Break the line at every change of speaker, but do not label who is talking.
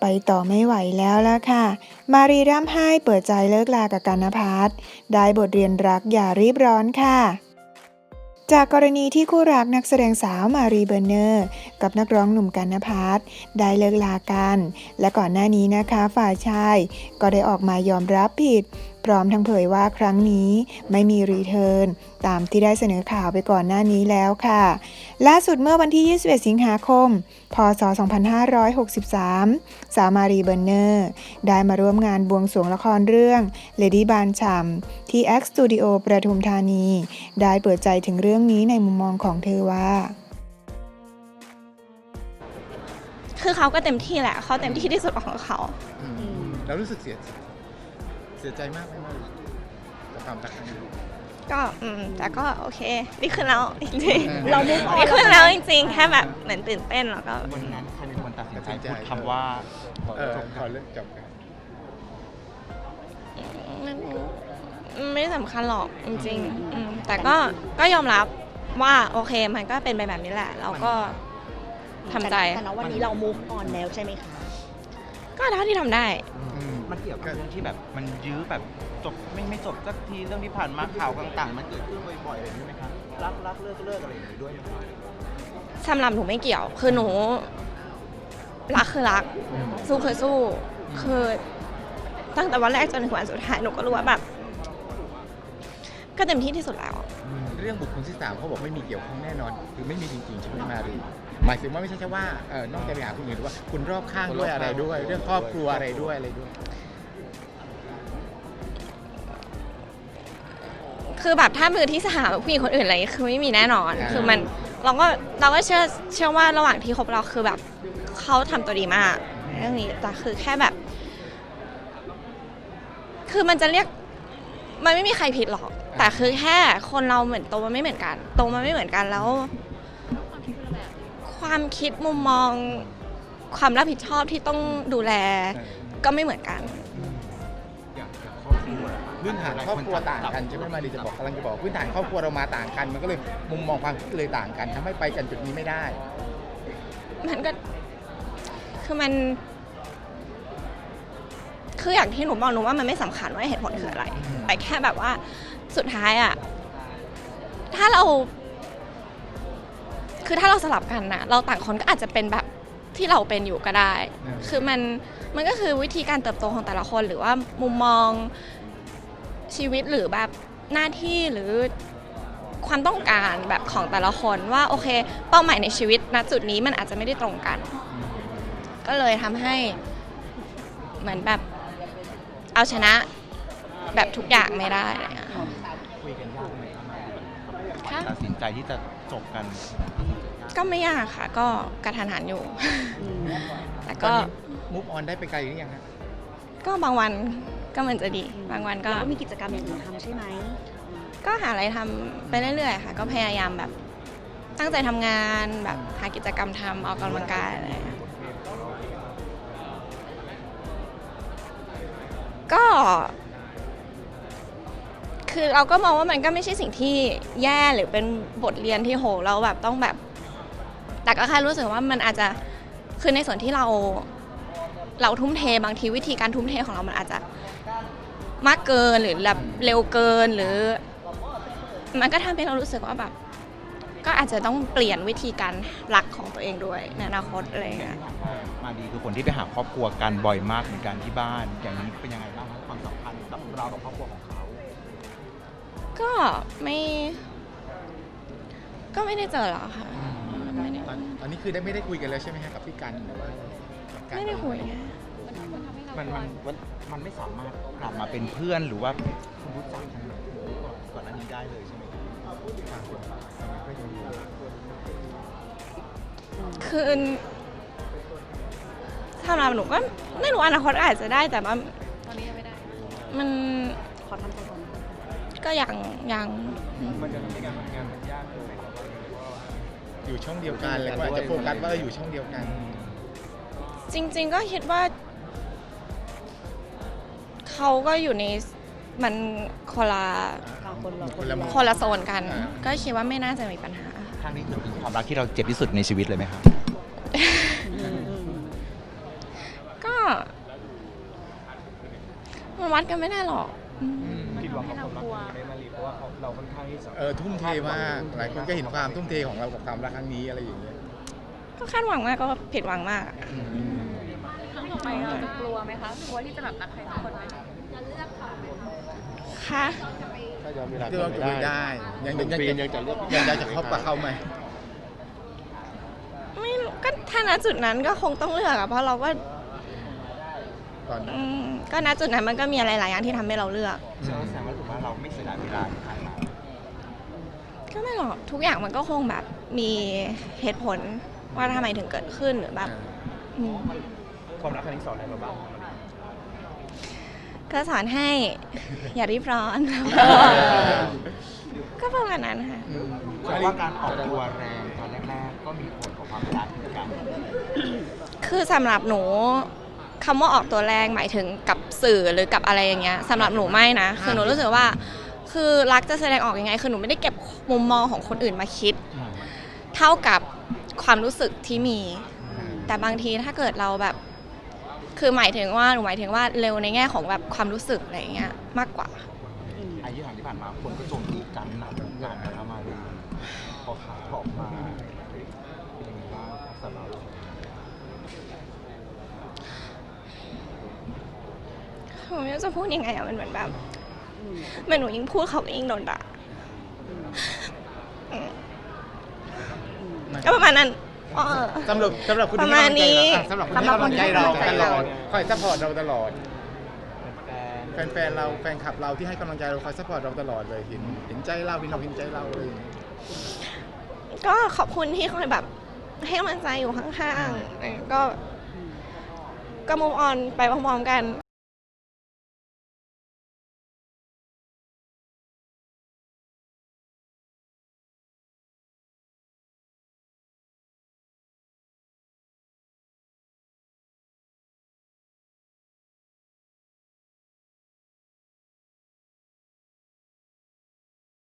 ต่อไม่ไหวแล้วล่ะค่ะมารีร่ำไห้เปิดใจเลิกลากับกันนภัสได้บทเรียนรักอย่ารีบร้อนค่ะจากกรณีที่คู่รักนักแสดงสาวมารีเบอร์เนอร์กับนักร้องหนุ่มกันนภัสได้เลิกลากันและก่อนหน้านี้นะคะฝ่ายชายก็ได้ออกมายอมรับผิดพร้อมทั้งเผยว่าครั้งนี้ไม่มีรีเทิร์นตามที่ได้เสนอข่าวไปก่อนหน้านี้แล้วค่ะล่าสุดเมื่อวันที่ 21 สิงหาคม พ.ศ. 2563 สาวมารีเบอร์เนอร์ได้มาร่วมงานบวงสรวงละครเรื่อง Lady บานฉ่ำที่ X Studio ประทุมธานีได้เปิดใจถึงเรื่องนี้ในมุมมองของเธอว่า
คือเขาก็เต็มที่แหละเขาเต็มที่ที่สุดของเขา
แล้วรู้สึกเสียใจมากไหมกับความรักครั้งนี้
ก็แต่ก็โอเคดีขึ้นแล้วจริงๆ
เราดี
ขึ้นแล้วจริงๆแค่แบบเหมือนตื่นเต้นแล้วก็
วันนั้นใครเป็นคนตัดสินใจพูดคำว่า
ขอเลิกจบกัน
ไม่สำคัญหรอกจริงๆแต่ก็ยอมรับว่าโอเคมันก็เป็นไปแบบนี้แหละเราก็ทำใจ
แต่ณวันนี้เรา move on แล้วใช่ไหมคะ
ก็เท่าที่ทำได้
มันเกี่ยวกับเรื่องที่แบบมันยื้อแบบจบไม่จบสักทีเรื่องที่ผ่านมาข่าวต่างๆมันเกิดขึ้นบ่อยๆอะไรอย่างนี้ไหมคะรักเลิกอะไรอย่างนี้ด้วยไหมคะ
สำหรับหนูไม่เกี่ยวคือหนูรักคือรักสู้คือสู้คือตั้งแต่วันแรกจนถึงวันสุดท้ายหนูก็รู้ว่าแบบก็เต็มที่ที่สุดแล้ว
เรื่องบุคคลที่3เขาบอกไม่มีเกี่ยวข้องแน่นอนคือไม่มีจริงๆใช่ไหมมารีหมายถึงว่าไม่ใช่แค่ว่านอกจากไปหาคนอื่นหรือว่าคุณรอบข้างด้วยอะไรด้วยเรื่องครอบครัวอะไรด้วย
คือแบบถ้ามือที่3กับผู้หญิงคนอื่นอะไรคือไม่มีแน่นอนคือมันเราก็เชื่อว่าระหว่างที่คบเราคือแบบเขาทำตัวดีมากเรื่องนี้แต่คือแค่แบบคือมันจะเรียกมันไม่มีใครผิดหรอกแต่คือแค่คนเราเหมือนโตมันไม่เหมือนกันแล้วความคิดมุมมองความรับผิดชอบที่ต้องดูแลก็ไม่เหมือนกัน
พื้นฐานครอบครัวต่างกันใช่ไหมมารีจะบอกกำลังจะบอกพื้นฐานครอบครัวเรามาต่างกันมันก็เลยมุมมองความคิดเลยต่างกันทำให้ไปกันจุดนี้ไม่ได้
มันก็คืออย่างที่หนูบอกหนูว่ามันไม่สำคัญว่าเหตุผลคืออะไรแต่แค่แบบว่าสุดท้ายอะถ้าเราสลับกันนะเราต่างคนก็อาจจะเป็นแบบที่เราเป็นอยู่ก็ได้คือมันก็คือวิธีการเติบโตของแต่ละคนหรือว่ามุมมองชีวิตหรือแบบหน้าที่หรือความต้องการแบบของแต่ละคนว่าโอเคเป้าหมายในชีวิตณจุดนี้มันอาจจะไม่ได้ตรงกันก็เลยทำให้เหมือนแบบเอาชนะแบบทุกอย่างไม่ได้อะไรเงี้ย
คุยกันยากไหม
คะ
ตัดสินใจที่จะจบกัน
ก็ไม่ยากค่ะก็กระทันหันอยู่แต่ก็
move on ได้ไปไกลหรือยังฮะ
ก็บางวันก็เหมือนจะดีบางวันก็
มีกิจกรรมอย่างอื่นทำใช่ไหม
ก็หาอะไรทำไปเรื่อยๆค่ะก็พยายามแบบตั้งใจทำงานแบบหากิจกรรมทำออกกำลังกายอะไรก็คือเราก็มองว่ามันก็ไม่ใช่สิ่งที่แย่หรือเป็นบทเรียนที่โหเราแบบต้องแบบแต่ก็แค่รู้สึกว่ามันอาจจะคือในส่วนที่เราทุ่มเทบางทีวิธีการทุ่มเทของเรามันอาจจะมากเกินหรือแบบเร็วเกินหรือมันก็ทำให้เรารู้สึกว่าแบบก็อาจจะต้องเปลี่ยนวิธีการรักของตัวเองด้วยในอนาคตอะไรอย่างเงี้ย
มาดีคือคนที่ไปหาครอบครัวกันบ่อยมากเหมือนกันที่บ้านอย่างนี้เป็นยังไงบ้างความสัมพันธ์กับเรากับครอบครัวของเขา
ก็ไม่ได้เจอหรอกค่ะ
ตอนนี้คือไม่ได้คุยกันแล้วใช่ไหมครับกับพี่กันหรือว่า
ไม่ได้คุย
มันไม่สามารถกลับมาเป็นเพื่อนหรือว่าคุณรู้จักกันก่อนหน้านี้ได้เลยใช่ไหม
คือสำหรับหนูก็ไม่รู้อนาคตอาจจะได้แต่ว่าตอนนี้ยังไม่ได้มัน
ขอทำใจก่อน
ก็ยัง
มันจะทำให้งานมันยากเลยอยู่ช่องเดียวกันแล้วก็อาจจะโฟกัสว่าเราอยู่ช่องเดียวกัน
จริงๆก็คิดว่าเขาก็อยู่ในมันคนละโซนกันก็คิดว่าไม่น่าจะมีปัญหา
ครั้งนี้คือความรักที่เราเจ็บที่สุดในชีวิตเลยไหมครับ
ก็มันวัดกันไม่ได้หรอก
คิดว่าเขาคนรักไม่มารีเพราะว่าเราค่อนข้างที่จะ
ทุ่มเทมากหลายคนก็เห็นความทุ่มเทของเรากับความรักครั้งนี้อะไรอย่างเงี้ย
ก็คาดหวังมากก็ผิดหวังมากอะ
ครั้งต่อไปเราจะกลัวไหมคะกลัวที่จะแบบรักใครสักคนไหม
ค่ะ
ถ้าย้อนเวลา
คือเราจะได้ ยัง
หนึ่งปียังจะเลือก
ยังจะคบกับเขาไหม
ไม่รู้ก็ถ้าณจุดนั้นก็คงต้องเลือกอะเพราะเราก็
ตอนนั้น
ก็ณจุดนั้นมันก็มีอะไรหลายอย่างที่ทำให้เราเลือก
แสดงว่าถือว่าเราไม่เสียดายเวลาที่ผ่านมา
ก็ไม่หรอกทุกอย่างมันก็คงแบบมีเหตุผลว่าทำไมถึงเกิดขึ้นหรือแบบอืม
ความรักครั้งนี้สอนอะไรเราบ้าง
ก็สอนให้ อย่ารีบร้อน ก็ประมาณนั้นค่ะ
เพราะว่าการออกตัวแรงตอนแรกๆก็มีผลต่อความรักเหมือนกัน
คือสำหรับหนูคำว่าออกตัวแรงหมายถึงกับสื่อหรือกับอะไรอย่างเงี้ยสำหรับหนูไม่นะคือหนูรู้สึกว่าคือรักจะแสดงออกยังไงคือหนูไม่ได้เก็บมุมมองของคนอื่นมาคิด เท่ากับความรู้สึกที่มี แต่บางทีถ้าเกิดเราแบบคือหมายถึงว่าหนูหมายถึงว่าเร็วในแง่ของแบบความรู้สึกอะไรอย่างเงี้ยมากกว่า
อายุห่างที่ผ่านมาคนก็โจมตีกันหนักเหมือนกันนะมารีพอข่าวออกมาเป็นยังไงบ้างสำหรับเรา
หนูไม่รู้จะพูดยังไงอะมันเหมือนแบบเหมือนหนูยิ่งพูดเขาก็ยิ่งโดนด่าก็ประมาณนั้น
สำหรับคุณ
ประมาณนี้
สำหรับคุณที่ให้กำลังใจเราตลอดคอยซัพพอร์ตเราตลอด แฟนเราแฟนคลับเราที่ให้กำลังใจเราคอยซัพพอร์ตเราตลอดเลยเห็นใจเราเห็นใจเราเลย
ก็ขอบคุณที่คอยแบบให้กำลังใจอยู่ข้างๆก็มุมออนไปพร้อมๆกัน